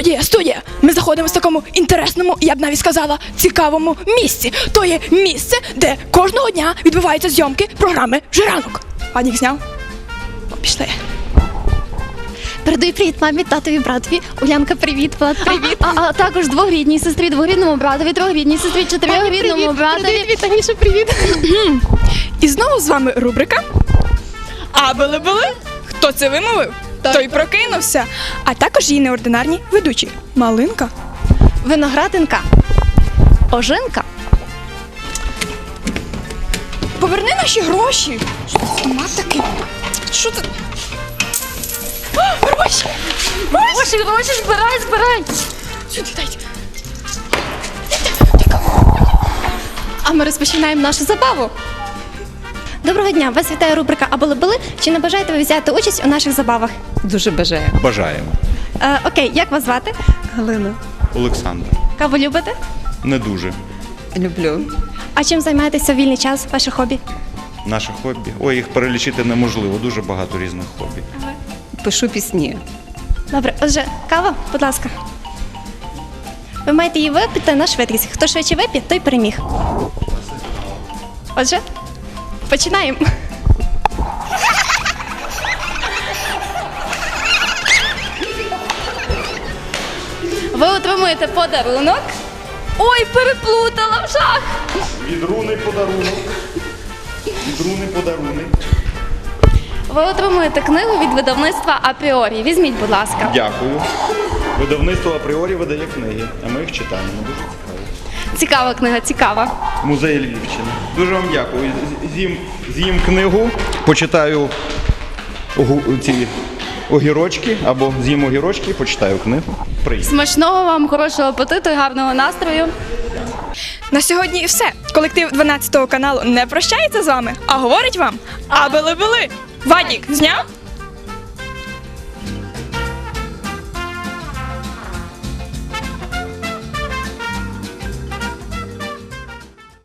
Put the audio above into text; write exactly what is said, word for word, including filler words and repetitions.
Студія, студія! Ми заходимо в такому інтересному, я б навіть сказала, цікавому місці. То є місце, де кожного дня відбуваються зйомки програми «Жиранок». Вадік зняв? О, пішли. Передаю привіт мамі, татові, братові. Улянка, привіт, Влад, привіт. А, а також двогрідній сестрі, двогрідному братові, трьохрідній сестрі, чотирьохрідному братові. Привіт, Таніша, привіт. І знову з вами рубрика «А були-були». Хто це вимовив, той прокинувся. А також її неординарні ведучі Малинка, Виноградинка. Ожинка. поверни наші гроші. Що це сама таки? Що це? О, гроші! Гроші, гроші, збирай, збирай. Сюди дайте. А ми розпочинаємо нашу забаву. Доброго дня, вас вітає рубрика «А були-були». Чи не бажаєте ви взяти участь у наших забавах? Дуже бажаю. Бажаємо. Е, окей, як вас звати? Галина. Олександр. Каву любите? Не дуже. Люблю. А чим займаєтеся в вільний час, ваше хобі? Наше хобі. Ой, їх перелічити неможливо. Дуже багато різних хобі. Пишу пісні. Добре, отже, кава, будь ласка. Ви маєте її випити на швидкість. Хто швидше вип'є, той переміг. Отже, починаємо. Ви отримуєте подарунок. Ой, переплутала в жах. Від руни подарунок. Від руни подарунок. Ви отримуєте книгу від видавництва «Апріорі». Візьміть, будь ласка. Дякую. Видавництво апріорі видає книги, а ми їх читаємо. Дуже цікаво. Цікава книга, цікава. Музей Львівщини. Дуже вам дякую. З- З'їм, з'їм книгу, почитаю огу- ці огірочки, або з'їм огірочки, почитаю книгу. Приємно. Смачного вам, хорошого апетиту і гарного настрою. На сьогодні і все. Колектив дванадцятого каналу не прощається з вами, а говорить вам «А були-були». Вадік зняв?